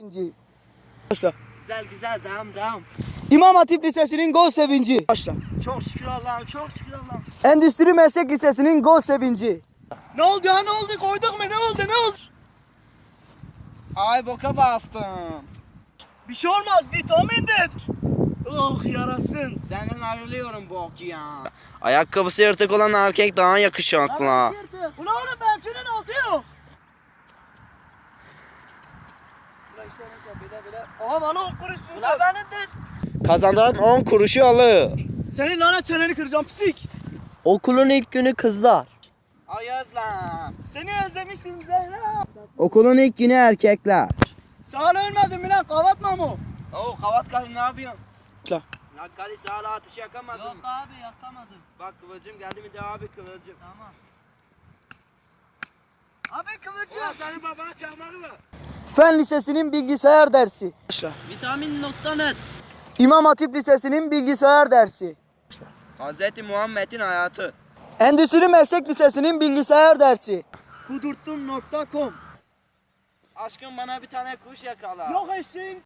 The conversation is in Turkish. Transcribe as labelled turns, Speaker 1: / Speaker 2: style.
Speaker 1: Başla.
Speaker 2: Güzel güzel devam.
Speaker 1: İmam Hatip Lisesi'nin gol sevinci. Başla.
Speaker 2: Çok şükür Allah'ım, çok şükür Allah'ım.
Speaker 1: Endüstri Meslek Lisesi'nin gol sevinci.
Speaker 2: Ne oldu ya, ne oldu, koyduk mu, ne oldu? Ay boka bastım.
Speaker 1: Bir şey olmaz, vitamindir. Oh yarasın.
Speaker 2: Senden ayrılıyorum bok ya. Ayakkabısı yırtık olan erkek daha yakışıklı.
Speaker 1: Ulan oğlum benimkinin altı yok. Ulan işte neyse bile. Aha bana 10 kuruş buldu.
Speaker 2: Ulan benimdir. Kazandığın 10 kuruşu alır.
Speaker 1: Senin lanet çeneni kıracağım pislik.
Speaker 3: Okulun ilk günü kızlar.
Speaker 2: Ay Özlem.
Speaker 1: Seni özlemişim Zehra.
Speaker 3: Okulun ilk günü erkekler.
Speaker 1: Sağ ol ölmedin mi lan kavatma mı?
Speaker 2: Oo kavat kadın ne yapıyorsun?
Speaker 1: La.
Speaker 2: Ya Kadir sağla ateş yakamadın.
Speaker 3: Yok abi yakamadım.
Speaker 2: Bak Kıvılcım geldi mi de abi Kıvılcım.
Speaker 3: Tamam.
Speaker 2: Abi Kıvılcım. Ulan senin babana çakmağı mı?
Speaker 1: Fen Lisesi'nin bilgisayar dersi. Başla.
Speaker 3: Vitamin.net.
Speaker 1: İmam Hatip Lisesi'nin bilgisayar dersi.
Speaker 2: Hazreti Muhammed'in hayatı.
Speaker 1: Endüstri Meslek Lisesi'nin bilgisayar dersi. Kudurttun.com.
Speaker 2: Aşkım bana bir tane kuş yakala.
Speaker 1: Yok eşeğin